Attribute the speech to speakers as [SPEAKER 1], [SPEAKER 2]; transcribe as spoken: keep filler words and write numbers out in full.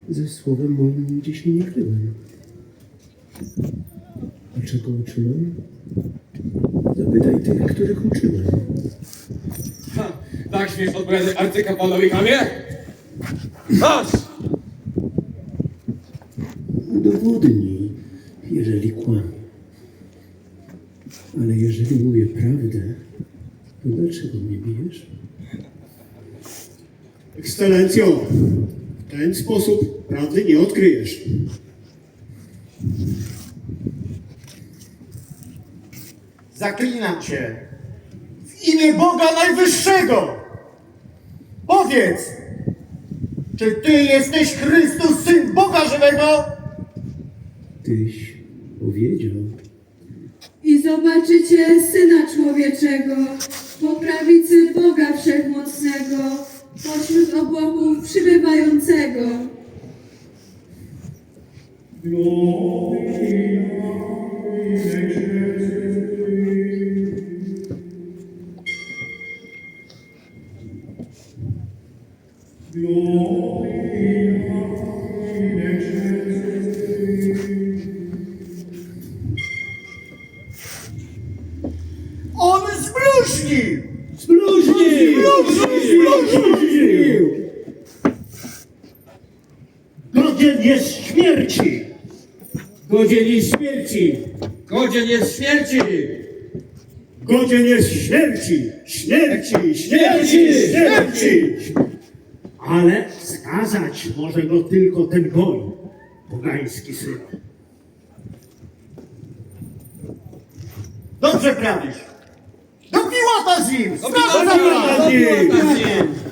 [SPEAKER 1] Ze słowem moim nigdzie się nie kryłem. A czego uczyłem? Zapytaj tych, których uczyłem.
[SPEAKER 2] Ha, tak śmiesz odpowiadać arcykapłanowi Kamie? Masz!
[SPEAKER 1] Udowodnij, jeżeli kłamię. Ale jeżeli mówię prawdę, to dlaczego mnie bijesz?
[SPEAKER 3] Ekscelencjo, w ten sposób prawdy nie odkryjesz.
[SPEAKER 4] Zaklinam cię w imię Boga Najwyższego. Powiedz, czy ty jesteś Chrystus, Syn Boga Żywego?
[SPEAKER 1] Tyś powiedział.
[SPEAKER 5] I zobaczycie Syna Człowieczego po prawicy Boga Wszechmocnego, pośród obłoków przybywającego.
[SPEAKER 4] On zbluźnił!
[SPEAKER 3] Zbluźnił! Zbluźnił! Godzien jest śmierci!
[SPEAKER 2] Godzien jest śmierci! Godzien jest śmierci!
[SPEAKER 3] Godzien jest śmierci! Śmierci! Śmierci! Śmierci! Ale skazać może go tylko ten goń, pogański syn.
[SPEAKER 4] Dobrze prawisz. Do Piłata z nim!
[SPEAKER 2] Do
[SPEAKER 4] Sprawa
[SPEAKER 2] Piłata!
[SPEAKER 4] za
[SPEAKER 2] Do Piłata z nim!